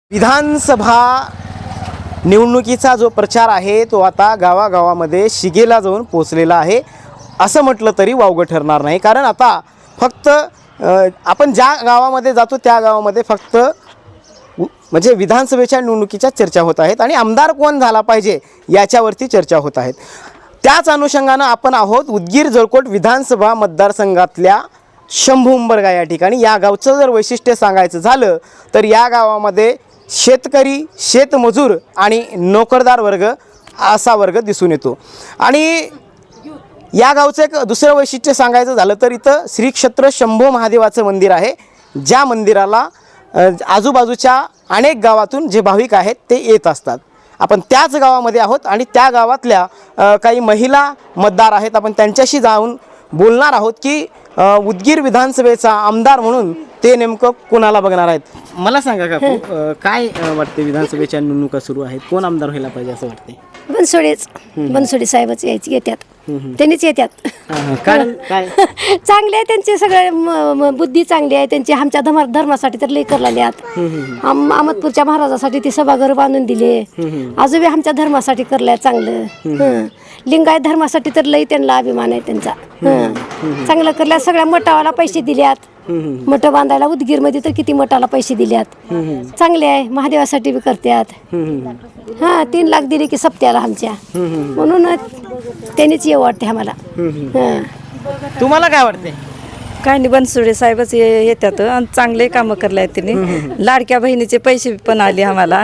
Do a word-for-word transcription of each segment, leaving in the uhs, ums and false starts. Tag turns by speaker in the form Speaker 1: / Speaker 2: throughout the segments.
Speaker 1: विधानसभा निवडणुकीचा जो प्रचार आहे तो आता गावागावामध्ये शिगेला जाऊन पोचलेला आहे असं म्हटलं तरी वावगं ठरणार नाही. कारण आता फक्त आपण ज्या गावामध्ये जातो त्या गावामध्ये फक्त म्हणजे विधानसभेच्या निवडणुकीच्या चर्चा होत आहेत आणि आमदार कोण झाला पाहिजे याच्यावरती चर्चा होत आहेत. त्याच अनुषंगानं आपण आहोत उदगीर जळकोट विधानसभा मतदारसंघातल्या शंभू उंबरगा या ठिकाणी. या गावचं जर वैशिष्ट्य सांगायचं झालं तर या गावामध्ये शेतकरी, शेतमजूर आणि नोकरदार वर्ग असा वर्ग दिसून येतो. आणि या गावचं एक दुसरं वैशिष्ट्य सांगायचं झालं तर इथं श्री क्षेत्र शंभू महादेवाचं मंदिर आहे, ज्या मंदिराला आजूबाजूच्या अनेक गावातून जे भाविक आहेत ते येत असतात. आपण त्याच गावामध्ये आहोत आणि त्या गावातल्या काही महिला मतदार आहेत, आपण त्यांच्याशी जाऊन बोलणार आहोत की उदगीर विधानसभेचा आमदार म्हणून ते नेमकं कोणाला बघणार आहेत. मला सांगा काकू, काय वाटते विधानसभेच्या निवडणुका सुरू आहेत, कोण आमदार व्हायला पाहिजे असं वाटते?
Speaker 2: बनसोडेच बनसोडे साहेबच यायचे येतात, त्यांनीच येतात.
Speaker 1: कारण काय
Speaker 2: चांगले आहे त्यांचे सगळे बुद्धी चांगली आहे त्यांची. आमच्या धर्मा धर्मासाठी तर लई करलेले आहेत. अहमदपूरच्या महाराजासाठी ते सभागृह बांधून दिले, आजोबी आमच्या धर्मासाठी करल्या चांगलं. लिंगायत धर्मासाठी तर लई त्यांना अभिमान आहे त्यांचा. चांगलं करल्या. सगळ्या मठावाला पैसे दिल्यात, मठ बांधायला उदगीरमध्ये तर किती मठाला पैसे दिल्यात. चांगले आहे. महादेवासाठी बी करतात. हा तीन लाख दिले की सप्त्याला आमच्या, म्हणून त्यांनीच ये वाटते आम्हाला.
Speaker 1: तुम्हाला काय वाटते?
Speaker 3: काय नाही, बनसोडे साहेबच येतात आणि चांगले कामं करले आहेत त्यांनी. लाडक्या बहिणीचे पैसे पण आले आम्हाला,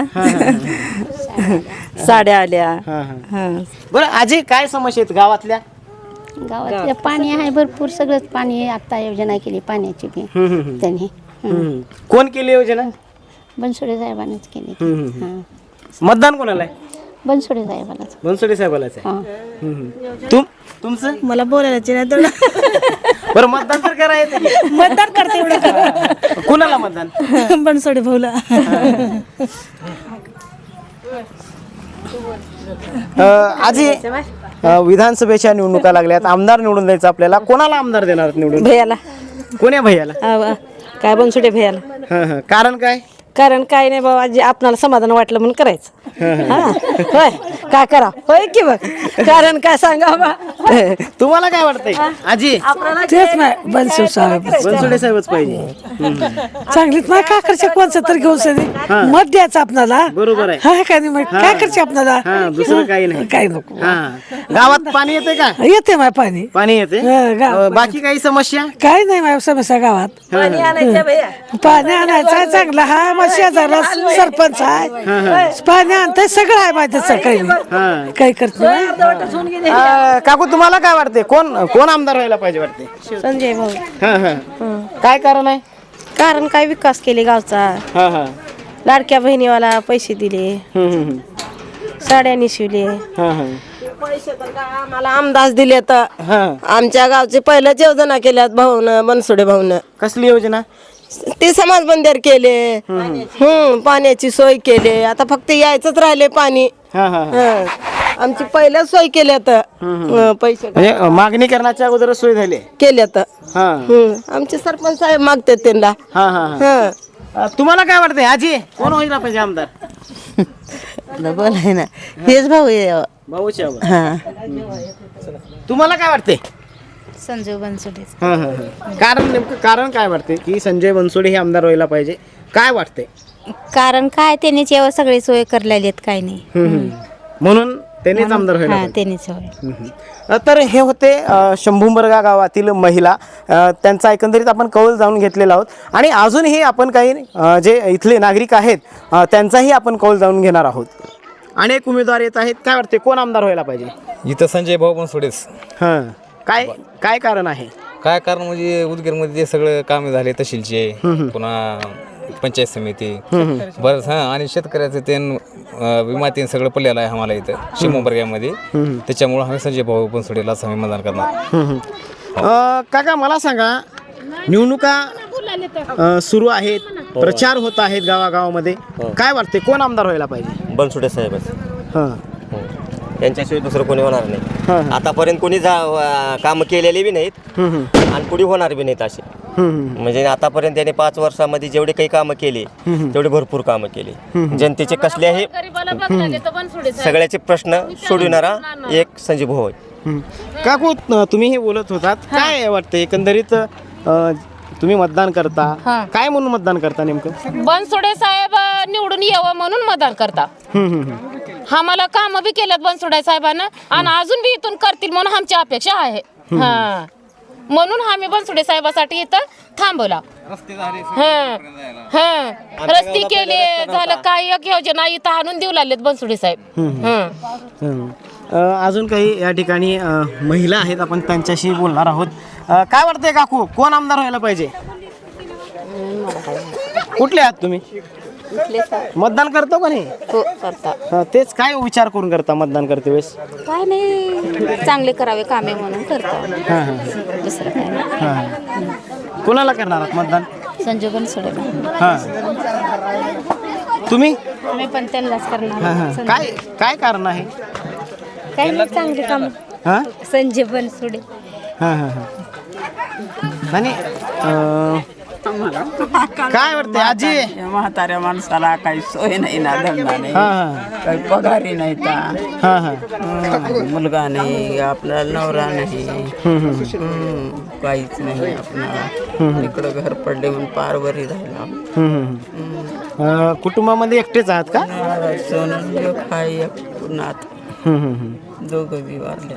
Speaker 3: साड्या आल्या.
Speaker 1: बरं आजी, काय समस्या आहेत गावातल्या?
Speaker 4: गावातलं पाणी आहे भरपूर, सगळंच पाणी आहे. आता योजना केली पाण्याची बी त्यांनी.
Speaker 1: कोण केली योजना?
Speaker 4: बनसोडे साहेबांनीच केली.
Speaker 1: मतदान कोणाला आहे?
Speaker 4: बनसोडे साहेबालाच.
Speaker 1: बनसोडे साहेबालाच आहे. तुम तुमचं?
Speaker 5: मला बोलायला नाही तर
Speaker 1: बरं, मतदान तर करायचं.
Speaker 5: मतदान करते एवढं.
Speaker 1: कुणाला मतदान?
Speaker 5: बनसोडे भाऊला.
Speaker 1: आजी, विधानसभेच्या निवडणुका लागल्यात, आमदार निवडून द्यायचं आपल्याला. कोणाला आमदार देणार निवडून?
Speaker 3: भैयाला.
Speaker 1: कोण्या भैयाला?
Speaker 3: काय बनसोडे भैयाला.
Speaker 1: कारण काय?
Speaker 3: कारण काय नाही बाबा, जे आपणाला समाधान वाटलं म्हणून करायचं. होय, काय करा होय की बघ. कारण काय सांगा बा.
Speaker 1: तुम्हाला काय वाटतंय आजी?
Speaker 5: तेच नाही, बनसोडे साहेब.
Speaker 1: बनसोडे साहेबच पाहिजे.
Speaker 5: चांगलीच नाही, काय करचे कोणचं तर घेऊन सनी मत द्यायचं आपल्याला.
Speaker 1: बरोबर आहे.
Speaker 5: हा काय नाही, काय करचे आपल्याला.
Speaker 1: दुसरं काही नाही.
Speaker 5: काय नको.
Speaker 1: गावात पाणी येते का?
Speaker 5: येते माय पाणी.
Speaker 1: पाणी येते. बाकी काही समस्या?
Speaker 5: काय नाही माय समस्या गावात. पाणी आणायचं चांगलं. हा मग शेजारला सरपंच आहे, पाणी आणतंय, सगळं आहे माहिती. काही काही करते.
Speaker 1: काकू, तुम्हाला काय वाटते, कोण कोण आमदार व्हायला पाहिजे वाटते?
Speaker 3: संजय भाऊ.
Speaker 1: काय कारण आहे?
Speaker 3: कारण काय विकास केले गावचा. लाडक्या बहिणीवाला पैसे दिले, साड्या निशिवले.
Speaker 6: पैसे तर काय आम्हाला आमदार दिले तर आमच्या गावचे पहिल्याच योजना केल्यात भाऊन, बनसोडे भाऊन.
Speaker 1: कसली योजना?
Speaker 6: ते समाज बंदर केले, हम्म पाण्याची सोय केली. आता फक्त यायचंच राहिले पाणी. आमची पहिल्याच सोय केल्या तर पैसे
Speaker 1: म्हणजे मागणी करण्याच्या अगोदर सोय झाली
Speaker 6: केल्या तर आमचे सरपंच साहेब मागतात त्यांना.
Speaker 1: तुम्हाला काय वाटतंय आजी, कोण व्हायला पाहिजे आमदार?
Speaker 6: बोलाय ना, हेच भाऊ
Speaker 1: भाऊच्या. तुम्हाला काय वाटते?
Speaker 4: संजय बनसोडे.
Speaker 1: कारण नेमकं कारण काय वाटते की संजय बनसोडे हे आमदार व्हायला पाहिजे? काय वाटते?
Speaker 4: कारण काय त्यांनीच यावर सगळी सोय करलेली आहेत, काही नाही
Speaker 1: म्हणून त्यांनीच आमदार व्हायला पाहिजे.
Speaker 4: त्यांनीच होय.
Speaker 1: तर हे होते शंभू उंबरगा गावातील महिला. त्यांचा एकंदरीत आपण कौल जाणून घेतलेला आहोत आणि अजूनही आपण काही जे इथले नागरिक आहेत त्यांचाही आपण कौल जाणून घेणार आहोत. अनेक उमेदवार येत आहेत. काय वाटते, कोण आमदार व्हायला पाहिजे?
Speaker 7: इथं संजय भाऊ बनसोडेच.
Speaker 1: हां, काय काय कारण आहे?
Speaker 7: काय कारण म्हणजे उदगीरमध्ये जे सगळं कामे झाले तहसीलचे, पुन्हा पंचायत समिती बरंच. हां, आणि शेतकऱ्याचं ते विमा ते सगळं पडलेलं आहे आम्हाला इथं शिमोबर्ग्यामध्ये. त्याच्यामुळं आम्ही संजय भाऊ बनसोडेलाच आम्ही मतदान करणार.
Speaker 1: काका, मला सांगा, निवडणुका सुरू आहेत, प्रचार होत आहेत गावागावामध्ये. काय वाटते, कोण आमदार व्हायला पाहिजे?
Speaker 8: बनसोडे साहेबच.
Speaker 1: हां,
Speaker 8: यांच्याशिवाय दुसरं कोणी होणार नाही. आतापर्यंत कोणी काम केलेले बी नाहीत आणि पुढे होणार बी नाहीत असे. म्हणजे आतापर्यंत त्यांनी पाच वर्षामध्ये जेवढे काही कामं केली तेवढे भरपूर कामं केली. जनतेचे कसल्याही सगळ्याचे प्रश्न सोडविणारा एक संजीव भाऊ आहे.
Speaker 1: हं. काकू अ, तुम्ही हे बोलत होतात काय वाटतं एकंदरीत अ, तुम्ही मतदान करता काय म्हणून मतदान करता नेमकं?
Speaker 9: बनसोडे साहेब निवडून यावं म्हणून मतदान करता.
Speaker 1: हं, हं, हं.
Speaker 9: आम्हाला काम बी केल्यात बनसोडे साहेबांना आणि अजून बी इथून करतील म्हणून आमची अपेक्षा आहे. हा म्हणून आम्ही बनसोडे साहेबासाठी इथं थांबवला. हं. हं. रस्ते केले झालं काय एक योजना इथं आणून देऊ लागलेत बनसोडे साहेब. हं.
Speaker 1: हं. अ, अजून काही या ठिकाणी अ, महिला आहेत आपण त्यांच्याशी बोलणार आहोत. अ, काय वाटतंय काकू कोण आमदार व्हायला पाहिजे? कुठले आहात तुम्ही? मतदान करतो का नाही? हा, तेच काय विचार करून करता मतदान करते वेळेस?
Speaker 4: काय नाही चांगले करावे कामे म्हणून करतो.
Speaker 1: हां हां
Speaker 4: दुसरं काय नाही.
Speaker 1: हां. कोणाला करणार आहात मतदान?
Speaker 4: संजू बनसोडे
Speaker 1: हां. तुम्ही?
Speaker 4: मी पण त्यांनाच करणार.
Speaker 1: हां हां. काय काय कारण आहे?
Speaker 4: काय नाही चांगले काम.
Speaker 1: हां
Speaker 4: संजय बनसोडे.
Speaker 1: हां हां हां. आणि अ, काय वाटते आजी?
Speaker 10: म्हाताऱ्या माणसाला काही सोय नाही ना धंदा नाही
Speaker 1: हां हां
Speaker 10: काही पगारी नाही ता
Speaker 1: हां हां
Speaker 10: हं, मुलगा नाही आपल्याला नवरा नाही हं, काहीच नाही आपल्याला इकडं घर पडले म्हणून पारवरी राहिला.
Speaker 1: हं, हं. अ, कुटुंबामध्ये एकटेच आहात का?
Speaker 10: सोनं एक हाय एक नात
Speaker 1: हं, हं, हं.
Speaker 10: दोघं बी वारले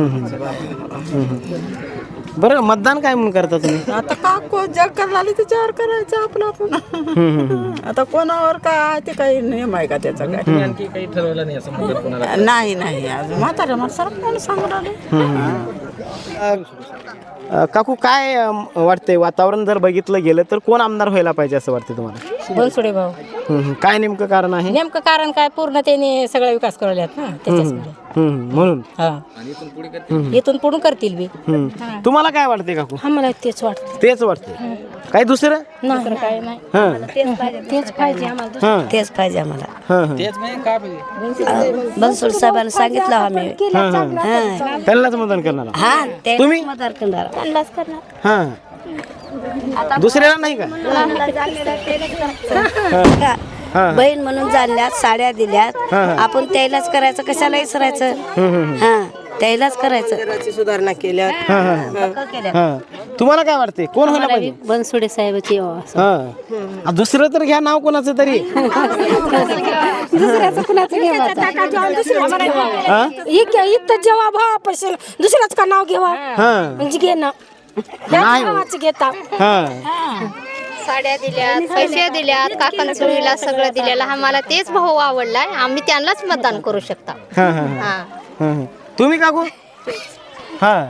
Speaker 1: बरं मतदान काय म्हणून करता तुम्ही?
Speaker 10: आता का को जग करायला त्याच्यावर करायचं आपलं आपण. आता कोणावर काय आहे ते काही नियम आहे का त्याचा काय
Speaker 7: आणखी काही ठरवलं नाही असं म्हणतात कोणाला?
Speaker 10: नाही नाही अजून म्हाताऱ्या माणसाला कोण सांगून आले.
Speaker 1: अ, काकू काय अ, वाटतंय वातावरण जर बघितलं गेलं तर कोण आमदार व्हायला पाहिजे असं वाटतं तुम्हाला?
Speaker 3: बनसोडे भाऊ.
Speaker 1: हं, हं. काय नेमकं कारण आहे?
Speaker 3: नेमकं कारण काय पूर्ण त्याने सगळा विकास करवल्यात ना त्याच्यामुळे.
Speaker 1: हं, हं. म्हणून
Speaker 3: हा इथून पुढून करतील बी.
Speaker 1: हं. तुम्हाला काय वाटते काकू?
Speaker 3: आम्हाला तेच वाटतं.
Speaker 1: तेच वाटते काही दुसरं?
Speaker 3: नाही काय नाही
Speaker 1: हं.
Speaker 3: तेच पाहिजे आम्हाला.
Speaker 1: हं.
Speaker 6: तेच पाहिजे आम्हाला.
Speaker 1: हं, हं.
Speaker 6: बनसोड साहेबांना सांगितलं आम्ही.
Speaker 1: हं, हं. त्यांनाच मतदान करणार आहात?
Speaker 6: हा ते
Speaker 1: तुम्ही?
Speaker 6: मतदार करणार.
Speaker 1: हां दुसऱ्याला नाही का? हां.
Speaker 6: बहीण म्हणून जाणल्यात साड्या दिल्यात आपण त्यालाच करायचं कशाला विसरायचं. हा त्यालाच करायचं. सुधारणा केल्या
Speaker 1: हां. तुम्हाला काय वाटते कोण व्हायला पाहिजे?
Speaker 4: बनसोडे साहेबाची
Speaker 1: हां. दुसरं तर घ्या नाव कोणाचं तरी.
Speaker 3: दुसऱ्याचं कुणाचं घ्यायचं
Speaker 1: हां?
Speaker 3: इथं जेव्हा भाव असेल दुसऱ्याच का नाव घेवा
Speaker 1: हां.
Speaker 3: म्हणजे घे ना
Speaker 1: नाही हो.
Speaker 3: भावाचं घेता.
Speaker 1: हां.
Speaker 11: साड्या दिल्यात पैसे दिल्यात काकण चोळीला सगळं दिलेलं आम्हाला तेच भाऊ आवडलाय आम्ही त्यांनाच मतदान करू शकता.
Speaker 1: हां, हां, हां. हं. तुम्ही काकू? हां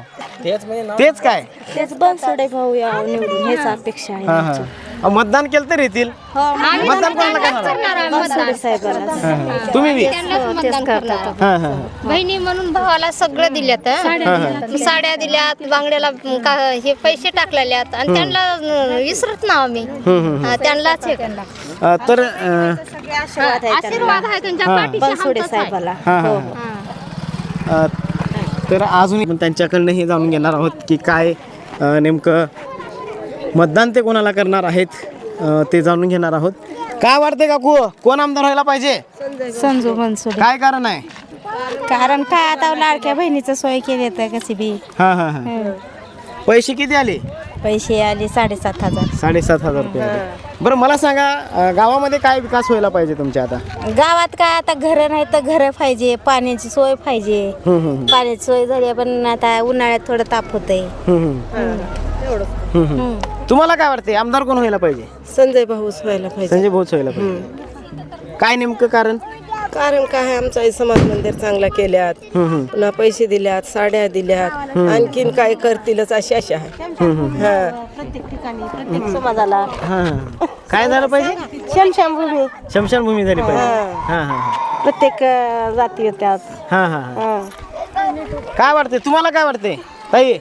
Speaker 1: तेच काय?
Speaker 4: तेच बनसोडे भाऊ या निवडून हेच अपेक्षा आहे.
Speaker 1: हां हां. अहो, मतदान केलं तर येतील. मतदान कोणाला करणार?
Speaker 4: बनसोडे साहेबाला
Speaker 1: हां, हां. तुम्ही बी?
Speaker 11: त्यांनाच मतदान करणार.
Speaker 1: हां हां
Speaker 11: बहिणी म्हणून भावाला सगळं दिल्यात हं. साड्या दिल्यात बांगड्याला का हे पैसे टाकलेल्यात आणि त्यांना विसरत ना आम्ही हा, त्यांनाच हे करणार.
Speaker 1: अ, तर अ,
Speaker 11: आशीर्वाद आहे त्यांच्या पाठीशी
Speaker 4: बनसोडे
Speaker 11: हमखास आहे.
Speaker 4: साहेबाला.
Speaker 1: हां हां अ, तर अजून आपण त्यांच्याकडनं हे जाणून घेणार आहोत की काय अ, नेमकं मतदान ते कोणाला करणार आहेत अ, ते जाणून घेणार आहोत. काय वाटते काकू कोण आमदार व्हायला पाहिजे?
Speaker 4: संजू बनसोडे.
Speaker 1: काय कारण आहे?
Speaker 4: कारण काय आता लाडक्या बहिणीचं सोय केली तर कशी बी
Speaker 1: हां हां हां. पैसे किती आले?
Speaker 4: पैसे आले साडेसात हजार.
Speaker 1: साडेसात हजार रुपये आले. बरं मला सांगा अ, गावामध्ये काय विकास व्हायला पाहिजे तुमच्या आता?
Speaker 4: गावात काय आता घरं नाही तर घरं पाहिजे पाण्याची सोय पाहिजे.
Speaker 1: हं, हं,
Speaker 4: पाण्याची सोय झाली पण आता उन्हाळ्यात थोडं ताप होतंय.
Speaker 1: हं, हं. हं, हं. तुम्हाला काय वाटते आमदार कोण व्हायला पाहिजे?
Speaker 6: संजय भाऊ व्हायला पाहिजे.
Speaker 1: संजय भाऊच व्हायला पाहिजे. काय नेमकं कारण?
Speaker 6: कारण काय आमचा हे समाज मंदिर चांगला केल्यात
Speaker 1: हं, हं.
Speaker 6: पुन्हा पैसे दिल्यात साड्या दिल्यात आणखीन काय करतीलच अशी आशा आहे. हा.
Speaker 4: प्रत्येक समाजाला
Speaker 1: हां हां. काय झालं पाहिजे?
Speaker 4: शमशानभूमी
Speaker 1: शमशानभूमी झाली पाहिजे. हां हां हां.
Speaker 4: प्रत्येक जाती येतात.
Speaker 1: हां हां हां. काय वाटते तुम्हाला काय वाटते ताई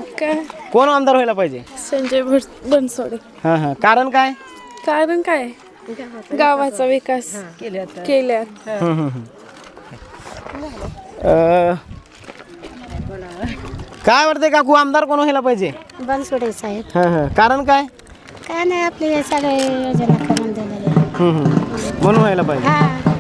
Speaker 1: कोण आमदार व्हायला पाहिजे?
Speaker 12: संजय बनसोडे.
Speaker 1: हां हां. कारण काय?
Speaker 12: कारण काय गावाचा विकास केल्यात.
Speaker 1: हं, हं, हं. अ, काय वाटतंय काकू आमदार कोण व्हायला पाहिजे?
Speaker 4: बनसोडे साहेब.
Speaker 1: हां हां कारण काय?
Speaker 4: काय नाही आपले सगळे योजना करून दिलेले.
Speaker 1: हम्म, हम्म. म्हणून व्हायला पाहिजे.
Speaker 4: हा